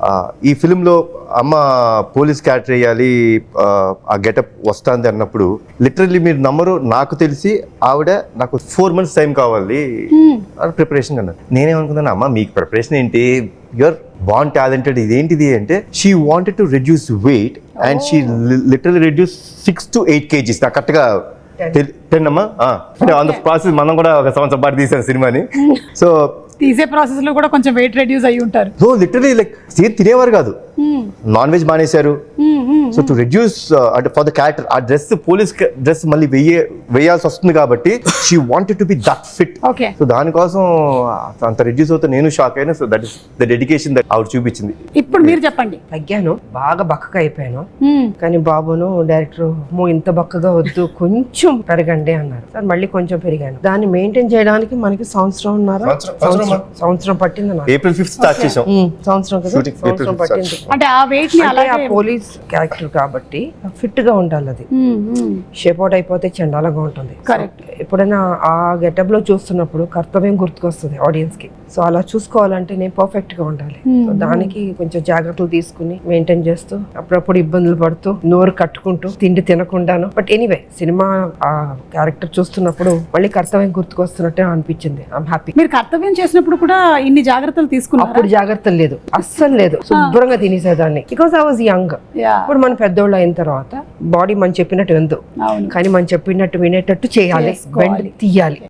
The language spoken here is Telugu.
ఈ ఫిల్మ్లో అమ్మ పోలీస్ క్యారెక్టర్ వేయాలి, ఆ గెటప్ వస్తుంది అన్నప్పుడు లిటరల్లీ మీరు నమ్మరు, నాకు తెలిసి ఆవిడ నాకు 4 months టైం కావాలి ప్రిపరేషన్ అన్నారు. నేనేమనుకున్నాను, అమ్మ మీకు ప్రిపరేషన్ ఏంటి, యూఆర్ బాన్ టాలెంటెడ్, ఇదేంటిది అంటే she wanted to reduce weight and she literally reduce 6 to 8 kgs. నాకు కరెక్ట్గా 10 అమ్మా. అంటే ఆన్ ద ప్రాసెస్ మనం కూడా ఒక సంవత్సరం పాటు తీసాను సినిమాని. సో తీసే ప్రాసెస్ లో కూడా కొంచెం వెయిట్ రెడ్యూస్ అయ్యి ఉంటారు. సో లిటరలీ లైక్ తినేవారు కాదు, నాన్ వెజ్ మానేశారు. సో టు రెడ్యూస్ అంటే ఫర్ ద క్యారెక్టర్ ఆ డ్రెస్, పోలీస్ డ్రెస్ మళ్ళీ వేయాల్సి వస్తుంది కాబట్టి she wanted to be that fit. Okay. So దానికోసం అంత రెడ్యూస్ అవుతా నేను షాక్ అయినా. So that is the dedication that ఆవిడ చూపించింది. ఇప్పుడు మీరు చెప్పండి. తగ్గాను, బాగా బక్కగా అయిపోయాను. కానీ బాబును డైరెక్టర్ ఇంత బక్కగా వద్దు, కొంచెం పెరగండి అన్నారు. సార్ మళ్ళీ కొంచెం పెరిగాను. దాన్ని మెయింటైన్ చేయడానికి మనకి సంవత్సరం పట్టింది నాకు. April 5th స్టార్ట్ చేసాం సంవత్సరం కదా, సంవత్సరం పట్టింది. అంటే ఆ వెయిట్ ని అలాగే ఆ పోలీస్ క్యారెక్టర్ కాబట్టి ఫిట్ గా ఉండాలి. అది షేప్ అవుట్ అయిపోతే చండాలంగా ఉంటుంది. కరెక్ట్. ఎప్పుడైనా ఆ గెటప్ లో చూస్తున్నప్పుడు కర్తవ్యం గుర్తుకొస్తుంది ఆడియన్స్ కి. సో అలా చూసుకోవాలంటే నేను పర్ఫెక్ట్ గా ఉండాలి. సో దానికి కొంచెం జాగ్రత్తలు తీసుకుని మెయింటైన్ చేస్తూ అప్పుడప్పుడు ఇబ్బందులు పడుతూ నోరు కట్టుకుంటూ తిండి తినకుండాను. బట్ ఎనీవే సినిమా ఆ క్యారెక్టర్ చూస్తున్నప్పుడు మళ్ళీ కర్తవ్యం గుర్తుకొస్తున్నట్టే అనిపించింది. I'm happy. మీరు కర్తవ్యం చేసినప్పుడు కూడా ఇన్ని జాగ్రత్తలు తీసుకున్నారు? అప్పుడు జాగ్రత్తలు లేదు, అస్సలు లేదు. శుభ్రంగా తినేసేదాన్ని బికాస్ ఐ వాజ్ యంగ్. ఇప్పుడు మన పెద్దోళ్ళు అయిన తర్వాత బాడీ మనం చెప్పినట్టు విందు, కానీ మనం చెప్పినట్టు వినేటట్టు చేయాలి, బెండ్ తీయాలి.